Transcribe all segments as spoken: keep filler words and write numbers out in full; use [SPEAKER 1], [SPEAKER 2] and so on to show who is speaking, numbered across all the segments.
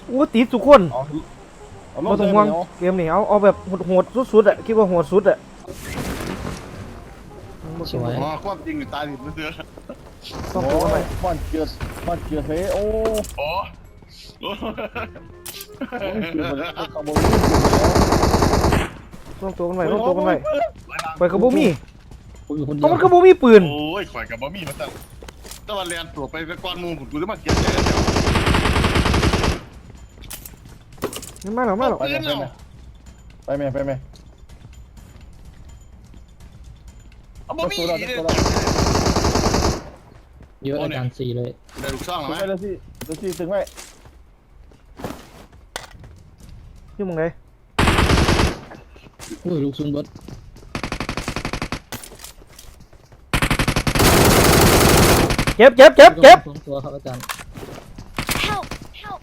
[SPEAKER 1] โอ้ติดทุกคนมาต้องห่วงเกมนี้เอาเอาแบบโหดๆสุดๆอ่ะคิดว่าโหดสุดอ่ะ
[SPEAKER 2] สวย
[SPEAKER 3] อ๋อความจริงตายผิดเสือ
[SPEAKER 1] ต้องตัวกันไป
[SPEAKER 4] บ้านเกียร์บ้านเกียร์เฮ้โอ้
[SPEAKER 3] โอ้
[SPEAKER 4] ขโมย
[SPEAKER 1] ต้องตัวกันไปต้องตัวกันไปไปกับบุมี่
[SPEAKER 2] ผมอยู่คนเดี
[SPEAKER 1] เอา
[SPEAKER 2] ยว
[SPEAKER 1] มันกับบุมี่ปืน
[SPEAKER 3] โอ้ยข่อยกับบะมี่มาตั้งตะวันเรียนตัวไปก้อนมูผมกูจะมาเก็บใจแล้ว
[SPEAKER 1] นี่มาหรอมาหรอ
[SPEAKER 4] ไปไหมไปไหมไปไหม
[SPEAKER 3] เอาบะมี่
[SPEAKER 2] เยอะอาจารย์สี่เลย
[SPEAKER 3] ได้ลูกช่อง
[SPEAKER 4] ถึ
[SPEAKER 3] ไห
[SPEAKER 4] ง
[SPEAKER 3] ม
[SPEAKER 4] ไว้แล้วสิแล้วสิถึงไว้
[SPEAKER 1] อยู่มึงไง
[SPEAKER 2] โอ้ยลูกซุนเบิร์ด
[SPEAKER 1] เจ็บเจ็บเจ็บเจ็บ
[SPEAKER 2] สองตัวครับอาจารย์
[SPEAKER 5] Help! Help!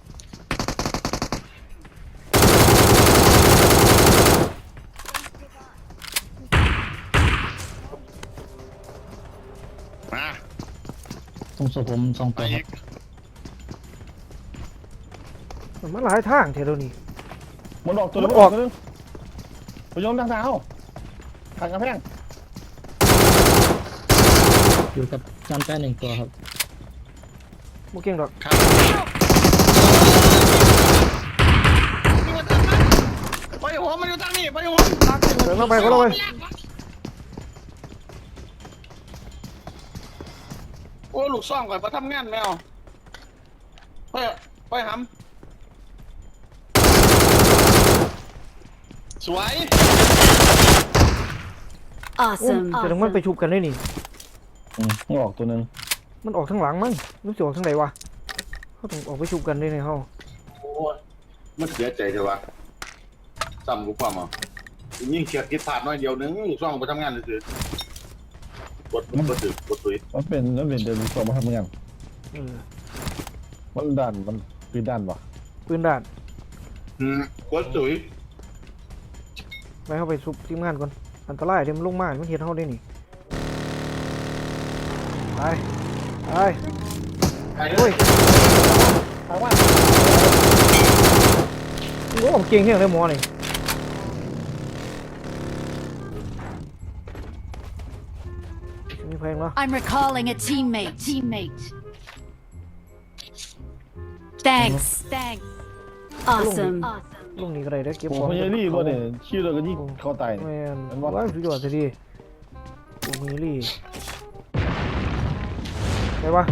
[SPEAKER 3] มา
[SPEAKER 2] ตรงศพผมสอง
[SPEAKER 3] ไป
[SPEAKER 2] ตัวค
[SPEAKER 3] อี
[SPEAKER 2] รับ
[SPEAKER 3] ก
[SPEAKER 1] มันมาหลายทางเท่าเดี๋ยวนี้
[SPEAKER 4] มันออกตัวนึงออกตัวนึงพยมทางเท้าทางกระแพง
[SPEAKER 2] อยู่กับอาจารย์แป้หนึ่งตัวครับ
[SPEAKER 1] บุเก่งดอก
[SPEAKER 3] ครับไปหัวมันอยู่ทางนี้ไปหัว
[SPEAKER 1] เดินเข้าไปเข้าไป
[SPEAKER 3] โอ้ลูกซ่องก่อนมาทำงานแมวไปไปหำสวย
[SPEAKER 5] Awesome!
[SPEAKER 1] แต่ถึงมันไปชุบกันได้นี่
[SPEAKER 4] อืมมันออกตัวนึง
[SPEAKER 1] มันออกทางหลังมั้งรู้สึกออกทางไหนวะเขาต้องออกไปชุบกันได้ในห้อง
[SPEAKER 3] โอ้ยมันเสียใจเถอะวะซ้ำกูความอ่ะยิ่งเฉียดคิดพลาดน้อยเดียวนึงลูกซ่องไปทำงานเลยสิกดกดตึกกดตุย
[SPEAKER 4] มันเป็นมันเป็นเดินส่งมาทำงาน
[SPEAKER 1] เออ
[SPEAKER 4] มันด้านมันปีด้านวะ
[SPEAKER 1] ปืนด่าน
[SPEAKER 3] อืมกดตุย
[SPEAKER 1] ไปเข้าไปชุบทีมงานก่อนอันตรายเดี๋ยวมันลงมามันเห็นเขาได้นี่ไปไป
[SPEAKER 3] ไอ้
[SPEAKER 1] โอ้ย
[SPEAKER 4] ทางว่า
[SPEAKER 1] โอ้เก่งเที่ยงเลยหมอนี่มีเพลงเหรอ
[SPEAKER 5] I'm recalling a teammate. Teammate. Thanks. Thanks. Awesome.
[SPEAKER 1] ลุงนี่ก็ได้ได้เก็บ
[SPEAKER 4] ผม
[SPEAKER 1] ของ
[SPEAKER 4] พยารี่บ่เนี่ยชื่อเราก็ยิ่งเข้าตาย
[SPEAKER 1] แม่น
[SPEAKER 4] มัน
[SPEAKER 1] ว่า
[SPEAKER 4] ว่า
[SPEAKER 1] สุดยอดสิดีโอ้มีลี่ไปวะ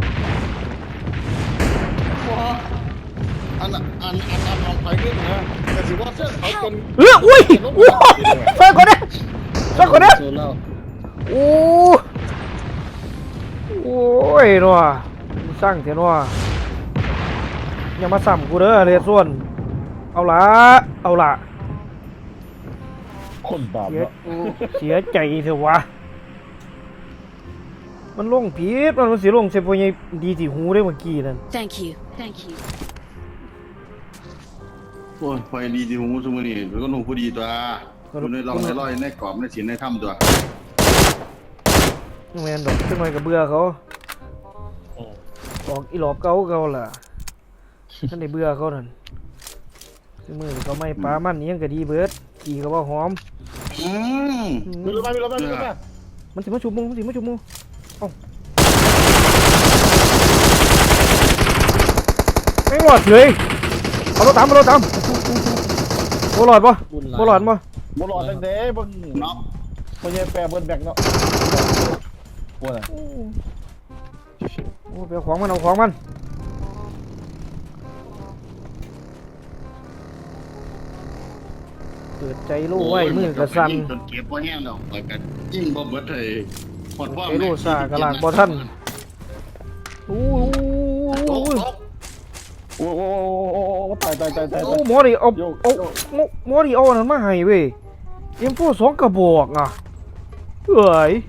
[SPEAKER 3] อันอันอันอันลองไปด้วยนะแต่สิว่าเส้นเขาเป็น
[SPEAKER 1] เอออุ้ยอุ้ยช่วยก่อนนะช่วยก่อนนะ
[SPEAKER 2] โซเล่า
[SPEAKER 1] โอ้โอ้ยนัวสร้างเถอะนัวอย่ามาสั่มกูเด้อเลยส่วนเอาละเอาละ
[SPEAKER 4] คนบาป
[SPEAKER 1] เสีย
[SPEAKER 4] เนาะ
[SPEAKER 1] เสียใจเถอะวะมันลงผิดมันมันสิลงเซฟโปยดีที่หูได้เมื่อกี้นั่น
[SPEAKER 5] Thank you. Thank you.
[SPEAKER 3] โอ้ยไฟดีดีหูสมุนี่แล้วก็หนูผู้ดีตัวคุณได้ลองในร้อยในกรอบในศีลในถ้ำตัว
[SPEAKER 1] แม่นดอกขึ้นมากับเบื่อเขาออกอีหลอบเก่าเก่าล่ะท่านได้เบื่อเขานั่นคือมือเขาไม่ปลามันเนี้ยงก็ดีเบิดขี่ก็ว่าหอม
[SPEAKER 3] อืม
[SPEAKER 4] มีรถมามีรถมามีรถมา
[SPEAKER 1] มันสิมาชุบมุงมันสิมาชุบมุงเอ้าไม่หลอดเลยเอารถตามเอารถตามโบหลอดปะโบหลอดปะ
[SPEAKER 4] บ่รอดตั้งแต่บ่
[SPEAKER 3] เนาะ
[SPEAKER 4] บ่ใช่แปรเบิดแบกเนาะว่าน่ะ
[SPEAKER 1] โอ้ไปเอาของมันเอาของมันเปิดใจรู้ไว้มือกระสัน
[SPEAKER 3] จนเก็บว่าแห้งดอกไปกันยิ่งบ่เบิดเลยหมดว่า
[SPEAKER 1] ไอ้โลซากระลากบ่ทันโอ้ย
[SPEAKER 3] โอ้
[SPEAKER 1] โอ้ย
[SPEAKER 3] โห
[SPEAKER 4] โอ้โอ้โอ้โอ้ตายตายตายตาย
[SPEAKER 1] โอ้หมอดิเอาเอาหมอดิเอาอันนั้นมาให้เว้ยเอ็มโฟสองกระบอกอ่ะเอ้ย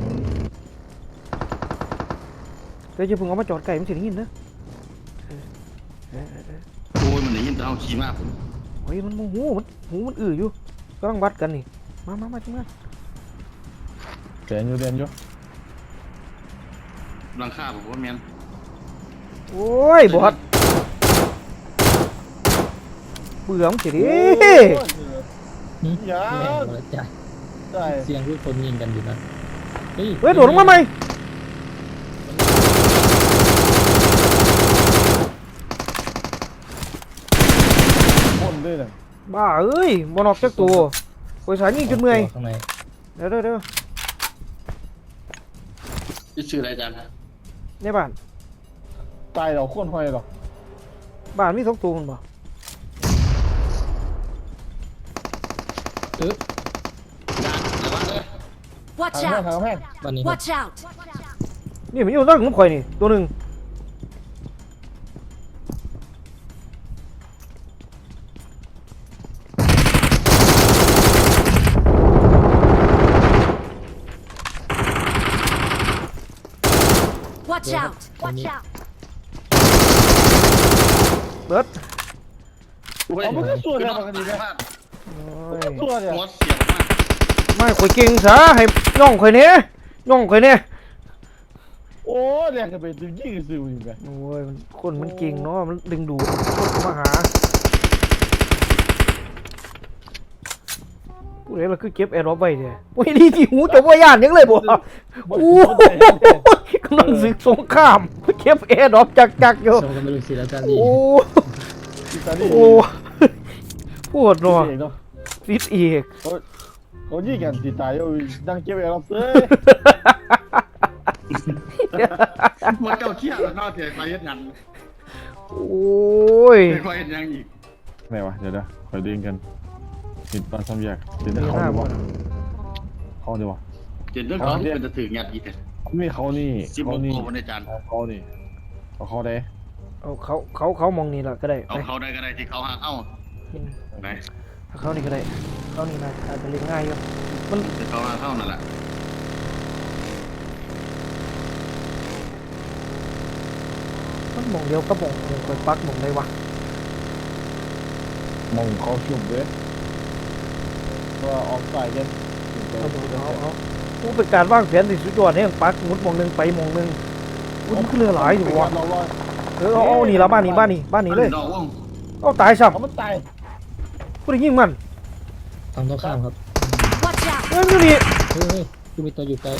[SPEAKER 1] เดี๋ยวจะเพิ่งเอามาจอดไก่มันสิได้ยินนะ
[SPEAKER 3] โอ้ยมันได้ยินแต่เอาขี้มากผม
[SPEAKER 1] เฮ้ยมันโมโหมันหูมันอื้ออยู่กำลังวัดกันนี่มามามาจังมา
[SPEAKER 4] แกนอยู่เรียนอยู่
[SPEAKER 3] รังค่าผมว่าแมน
[SPEAKER 1] โอ้ยบอดเบื่อมึงสิดิ
[SPEAKER 4] โอ้ย
[SPEAKER 2] หึ
[SPEAKER 4] อย่า
[SPEAKER 2] แม่งหมดแล้วจ้ะ
[SPEAKER 4] ใช่
[SPEAKER 2] เสียงทุกคนยิงกันอยู่นะเฮ้ย
[SPEAKER 1] เฮ้ยโดดลงมาไหม
[SPEAKER 4] คนด้วยน่ะ
[SPEAKER 1] บ้าเอ้ยบอลออกจากตัวโอยสายยิงจนเมื่อย
[SPEAKER 2] ข้างใน
[SPEAKER 1] เดี๋ยวเดี๋ยวเดี๋ยว
[SPEAKER 3] ชื่ออะไรอาจารย์
[SPEAKER 1] ในบ้าน
[SPEAKER 4] ตายเราโคนห้อยหรอก
[SPEAKER 1] บ้านมีสองตัวมันบ่
[SPEAKER 2] เออ
[SPEAKER 3] อาจารย์ระวังเลย
[SPEAKER 5] Watch
[SPEAKER 4] ทางแม่งทาง
[SPEAKER 5] out!
[SPEAKER 4] แม่ง
[SPEAKER 2] บ้านนี้ครับ
[SPEAKER 5] Watch out!
[SPEAKER 1] นี่มันอยู่ตั้งน้ำข่อยนี่ตัวหนึ่ง
[SPEAKER 5] Watch out! Watch out!
[SPEAKER 1] เบิร์ด
[SPEAKER 4] เอามันก็สวยเลยปกติเลย
[SPEAKER 1] โอ้ย
[SPEAKER 4] สวยเลย
[SPEAKER 3] หัวเสียบมาก
[SPEAKER 1] ไม่ข่อยเก่งซะให้ย่องข่อยเนี้ยย่องข่อยเนี้ย
[SPEAKER 4] โอ้แรงกันไปดึงยิงซิวอีกแบบ
[SPEAKER 1] โอ้ยมันคนมันเก่งเนาะมันดึงดูดคนเข้ามาหาผู้ใดเราคือเก็บแอร์ดรอปไว้เนี่ยโอ้ยนี่ที่หูจะว่าย่านยังเลยบ่โอ้ยกำลังศึกสงครามเก็บแอร์ดรอปจักจักๆอยู่
[SPEAKER 2] ส่งกันไปดูสิแล้วอาจารย์ดี
[SPEAKER 1] โอ้
[SPEAKER 4] อิตาลี
[SPEAKER 1] โอ้ปวดเนาะ
[SPEAKER 4] เนาะ
[SPEAKER 1] ฟิตอีก
[SPEAKER 4] เขายิงกันตีตายเอาดังเก็บแอร์ล็อกเซ่
[SPEAKER 3] หัวเจ้าเชี่ยแล้วนอกเสียไปเฮ็ดงาน
[SPEAKER 1] โอ้ย
[SPEAKER 3] ไม่ค่อยเฮ็ดยังอีก
[SPEAKER 4] ไหนวะเดี๋ยวเดี๋ยวคอยดึงกันติดตอนซ้ำแยกติด
[SPEAKER 1] มี
[SPEAKER 4] เขา
[SPEAKER 1] หน้า
[SPEAKER 4] ดี
[SPEAKER 1] บ่
[SPEAKER 4] วะเขาดีวะ
[SPEAKER 3] เจ็ดเรื่องของที่เป็นจะถืองัดอีกเนี่ย
[SPEAKER 4] มีเขานี่
[SPEAKER 3] สิบห
[SPEAKER 4] เขา
[SPEAKER 3] ก
[SPEAKER 4] นี่
[SPEAKER 3] โมงอาจารย์
[SPEAKER 4] เขานี่เอาเขาได้
[SPEAKER 1] เอาเขาเขาเขามองนี่แหละก็ได้
[SPEAKER 3] เอา
[SPEAKER 1] ไป
[SPEAKER 3] เขาได้ก็ได้ที่เขาหาเอ้าไหน
[SPEAKER 1] เอาเขานี่ก็ได้เขานี่นะอาจจะเลี้ยงง่ายอยู่
[SPEAKER 3] ที่เขาหาเข้านั่นแหละ
[SPEAKER 1] มันมองเดียวก็มองมองคอยปักมองได้วะ
[SPEAKER 4] มองเขาชุบเลยว่าออกสายกัน
[SPEAKER 1] เอาเอาเอาผู้เป็นการวางแผนที่สุดยอดเนี่ยปักมุดมองหนึงไปมองหนึงอุ้ยมันคือเรือหลายอยู่วะ
[SPEAKER 4] เราลอย
[SPEAKER 1] เออเอาเอานี่ละบ้านนี้บ้านนี้บ้านนี้เลย
[SPEAKER 3] ดอกว่อง
[SPEAKER 1] เอาตายซ้
[SPEAKER 4] เขามันตาย
[SPEAKER 1] ำผู้ใดยิงมัน
[SPEAKER 2] ทางตรงข้ามครับ
[SPEAKER 5] Watch out!
[SPEAKER 1] เฮ้ยมันอยู่นี่
[SPEAKER 2] เฮ้ยเฮ้ยคือมีตัวอยู่ใกล้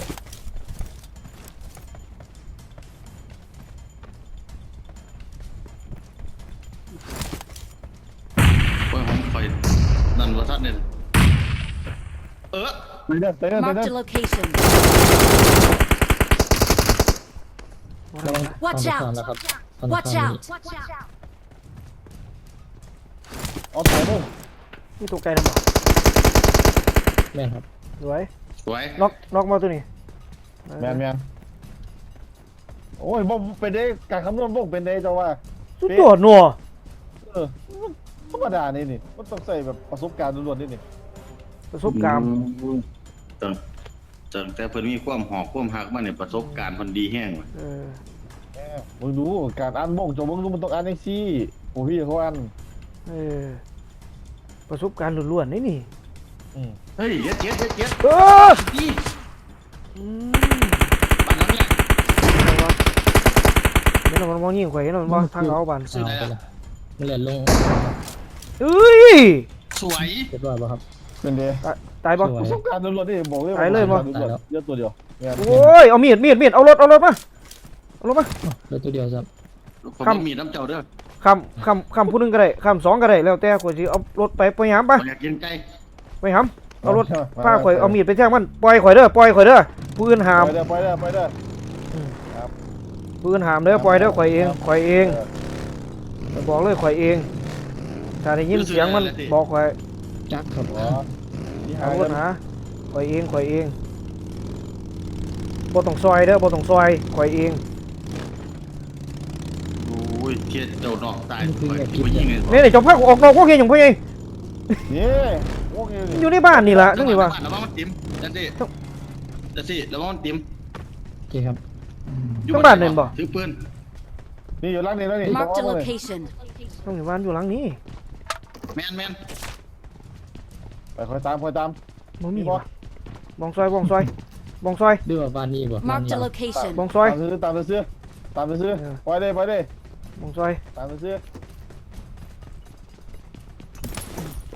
[SPEAKER 3] โอ้ยผมคอยนั่นว่าทัดเนี่ยเออ
[SPEAKER 4] ไปเด้อไปเด้อไปเด้
[SPEAKER 5] Marked
[SPEAKER 4] อ
[SPEAKER 5] a location.
[SPEAKER 2] ระวัง
[SPEAKER 5] Watch
[SPEAKER 2] ทางตรงข้าม
[SPEAKER 5] out!
[SPEAKER 2] นะครับทางตรง
[SPEAKER 5] Watch
[SPEAKER 2] ข้าม
[SPEAKER 5] out!
[SPEAKER 2] นี่
[SPEAKER 4] เอาตายมึง
[SPEAKER 1] นี่ตัวไกลนะบ่
[SPEAKER 2] แม่นครับ
[SPEAKER 1] สวย
[SPEAKER 3] สวย
[SPEAKER 1] น็อกน็อกมาตัวนี้
[SPEAKER 4] แมนแมนโอ้ยบ่เป็นได้การคำนวณบ่เป็นได้เจ้าว่า
[SPEAKER 1] สุดยอดหนัว
[SPEAKER 4] เออธรรมดานี่นี่มันต้องใส่แบบประสบการณ์ล้วนๆนี่นี่
[SPEAKER 1] ประสบการณ์
[SPEAKER 3] จังจังแต่เพิ่นมีความหอกความหักมาเนี่ยประสบการณ์เพิ่นดีแห้งว่ะ
[SPEAKER 1] เออ
[SPEAKER 4] แหมมึงดูการอ่านบ่งจงมึงดูมันต้องอ่านจังซี่โอ้พี่เขาอ่าน
[SPEAKER 1] เออประสบการณ์ล้วนๆนี่นี่
[SPEAKER 4] อืม
[SPEAKER 3] เฮ้ยเย็ดเย็ดเย็ดเย็ด
[SPEAKER 1] เออ
[SPEAKER 3] ดี
[SPEAKER 1] อืม
[SPEAKER 3] ปานนั้นเนี่ย
[SPEAKER 1] เห็นแล้วมันมองยิงข่อยเห็นแล้วมันมองทางเขาบัน
[SPEAKER 3] ชื่ออะไร
[SPEAKER 2] เอาไป
[SPEAKER 3] อ่ะ
[SPEAKER 2] ละมันเหลือลง
[SPEAKER 1] เอ้ย
[SPEAKER 3] สวย
[SPEAKER 2] เรียบร้อยป่ะครับ
[SPEAKER 4] เป็นเด้
[SPEAKER 1] ตายตายปะ
[SPEAKER 2] สวย
[SPEAKER 4] ประสบการณ์ล้วนๆนี่บอกเลย
[SPEAKER 1] ตายเลยบ่
[SPEAKER 4] ประสบการณ์ล้วนๆเยอะตัวเดียวแม่น
[SPEAKER 1] โอ้ยเอามีดมีดมีดเอารถเอารถมาเอารถมา
[SPEAKER 2] อ้าวเหลือตัวเดียวครับ
[SPEAKER 3] ผม
[SPEAKER 1] ครับ
[SPEAKER 3] บ่มีน้ำเจ้าเด้อ
[SPEAKER 1] คำคำคำผู้หนึงก็ได้คำสองก็ได้แล้วแต่ข่อยสิเอารถไปไปหามปะ
[SPEAKER 3] ผมอยากกินไก่
[SPEAKER 1] ไปหามเอารถพาข่อยเอามีดไปแทงมันปล่อยข่อยเด้อปล่อยข่อยเด้อปืนหาม
[SPEAKER 4] ไปเด้อไปเด้อไปเด้อ
[SPEAKER 1] ปืนหามเด้อปล่อยเด้อข่อยเองข่อยเองบอกเลยข่อยเองถ้าได้ยินเสียงมันบอกข่อย
[SPEAKER 2] จักครับ
[SPEAKER 4] อ๋อที่หา
[SPEAKER 1] เอาร
[SPEAKER 4] กั
[SPEAKER 1] ถ
[SPEAKER 4] น
[SPEAKER 1] หาข่อยเองข่อยเองบ่ต้องซอยเด้อบ่ต้องซอยข่อยเอง
[SPEAKER 3] โอ้ยเทียดเจ้านอกตายข่อยที่บ่ยิงเลย
[SPEAKER 1] นี่นี่จอมพักออกนอกพวกเฮียอย่างพวกเอง
[SPEAKER 4] นี่โอเค
[SPEAKER 1] อยู่ในบ้านนี่ล่ะจังนี่ว่า
[SPEAKER 3] ระวังมันติ๋มจังซี่จังซี่ระวังมันติ๋ม
[SPEAKER 2] โอเคครับ
[SPEAKER 3] อยู่
[SPEAKER 1] ทั้งบ้านเล่นบ่
[SPEAKER 3] ถือปืน
[SPEAKER 4] นี่อยู่ร้านนี้แล้วนี่
[SPEAKER 5] Marked a
[SPEAKER 4] ต้องเอาเลย
[SPEAKER 5] location.
[SPEAKER 1] จังนี่บ้านอยู่หลังนี้
[SPEAKER 3] แม่นแม่น
[SPEAKER 4] ไปคอยตามคอยตาม
[SPEAKER 1] บ่มี
[SPEAKER 4] มีบ่
[SPEAKER 1] ว่ะบองซอยบองซอยบองซอย
[SPEAKER 2] ด้วยว่าบ้านนี้บ่บ้าน
[SPEAKER 5] Marked
[SPEAKER 2] นี้
[SPEAKER 5] a location.
[SPEAKER 1] บองซอย
[SPEAKER 4] ตามซื้อตามซื้อตามซื้อ
[SPEAKER 1] เออ
[SPEAKER 4] ไปเลยไปเลย
[SPEAKER 1] บองซอย
[SPEAKER 4] ตามซื้อ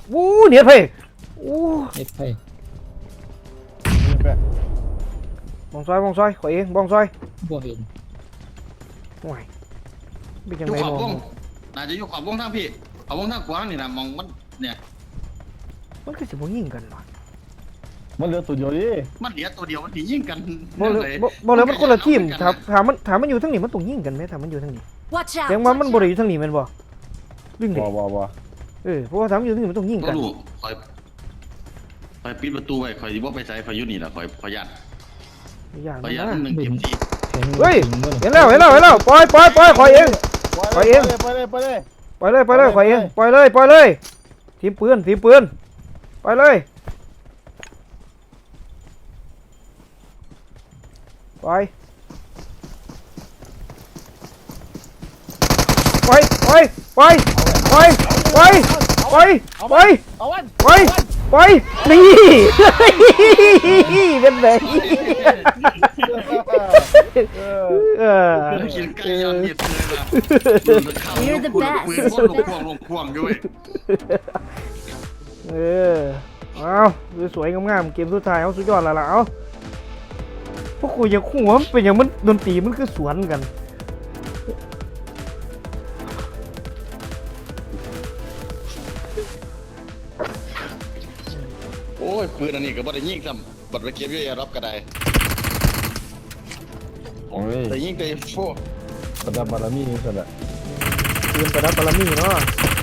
[SPEAKER 1] วู้เนียดเพ่โอ้
[SPEAKER 2] เอ็ดไพ่
[SPEAKER 4] นี่แปะ
[SPEAKER 1] บองซอยบองซอยขอยเองบองซอย
[SPEAKER 2] บ่เห็น
[SPEAKER 1] ห่วยเป็นจัง
[SPEAKER 3] อยู่
[SPEAKER 1] ไง
[SPEAKER 3] ขอบว
[SPEAKER 1] เนาะ
[SPEAKER 3] งน่าจะอยู่ขอบวงทางพี่ขอบวงทางขวานี่นะมองมันเนี่ย
[SPEAKER 1] มันคือสิบ่ยิงกันวะ
[SPEAKER 4] มันเหลือตัวเดียวดิ
[SPEAKER 3] มันเหลือตัวเดียวมันถียิงกัน
[SPEAKER 1] บ่เลยบ่บ่เลยมันคนละทีมถามถามมันถามมันอยู่ทางนี้มันต้องยิงกันไหมถามมันอยู่ทางนี้
[SPEAKER 5] Watch
[SPEAKER 1] เสียง
[SPEAKER 5] out!
[SPEAKER 1] ว่ามัน
[SPEAKER 5] Watch
[SPEAKER 1] บ่ได้อ
[SPEAKER 5] out!
[SPEAKER 1] ยู่ทางนี้แม่นบ่ลึง
[SPEAKER 4] บ่
[SPEAKER 1] ดิ
[SPEAKER 4] บ่บ่
[SPEAKER 1] เออเพราะว่าถามมันอยู่ทางนี้มันต้องยิง
[SPEAKER 3] ก็
[SPEAKER 1] กัน
[SPEAKER 3] รู้คอยคอยปิดประตูไว้คอยสิบ่ไปใส่คอยอยู่นี่ล่ะคอยคอยยัน
[SPEAKER 1] อย่า
[SPEAKER 3] คอยยัน
[SPEAKER 1] นะ
[SPEAKER 3] หนึ่งเต็มที่
[SPEAKER 2] เห็น
[SPEAKER 1] เฮ้ย
[SPEAKER 2] ถึงบ่
[SPEAKER 1] เห็นแล้วเห็นแล้วเห็นแล้วปล่อยปล่อยปล่อยขอยเอง ไปเอง
[SPEAKER 4] ไปเลยไปเลย
[SPEAKER 1] ปล่อยเลยปล่อยเลย
[SPEAKER 4] ไป
[SPEAKER 1] ขอยเอง
[SPEAKER 4] ไป
[SPEAKER 1] ปล่อยเลยปล่อยเลยทีมปืนทีมปืนไปเลยไปไปไปไปไปไปไปไป
[SPEAKER 4] เอาวัน
[SPEAKER 1] ไปไปนี่ เป็นไงเออ
[SPEAKER 3] กินไก่ย้อนเมียดเลยล่ะ
[SPEAKER 5] You're the
[SPEAKER 3] ปืน
[SPEAKER 5] best.
[SPEAKER 3] ปืนพ่นลงควงลงควงด้วย
[SPEAKER 1] เออเอาสวยๆงามๆเกมสุดท้ายเอาสุดยอดแล้วล่ะเอาพวกกูยังคู่ว่ามันเป็นอย่างมันดนตรีมันคือสวนกัน
[SPEAKER 3] โอ้ยปืนอันนี้ก็บ่ได้ยิงซ้ำบัดไปเก็บอยู่แอร์รับก็ได้
[SPEAKER 4] โอ้ย
[SPEAKER 3] แต่ยิงแต่โฟ
[SPEAKER 4] ประดับบารมีนี่สุดละ
[SPEAKER 1] ปืนประดับบารมีเนาะ